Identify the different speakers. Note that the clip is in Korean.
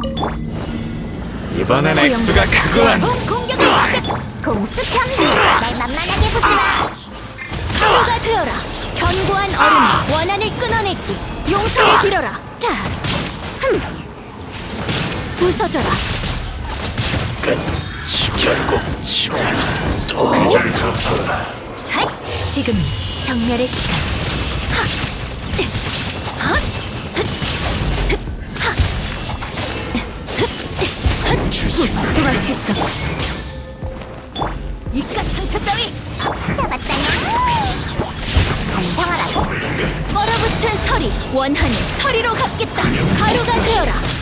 Speaker 1: 이번엔 액수가 크구만.
Speaker 2: 공격을 시작. 공수평리 날 만만하게 보지 마. 하루가 되어라. 견고한 얼음 원한을 끊어내지. 용서를 빌어라. 자, 부서져라.
Speaker 1: 결국 지옥 또
Speaker 2: 핫! 지금이 정멸의 시간. 도망칠 수 없고. 이깟 상처 따위 잡았다냐? 반성하라고? 얼어붙은 서리 원한을 서리로 갚겠다. 가루가 되어라.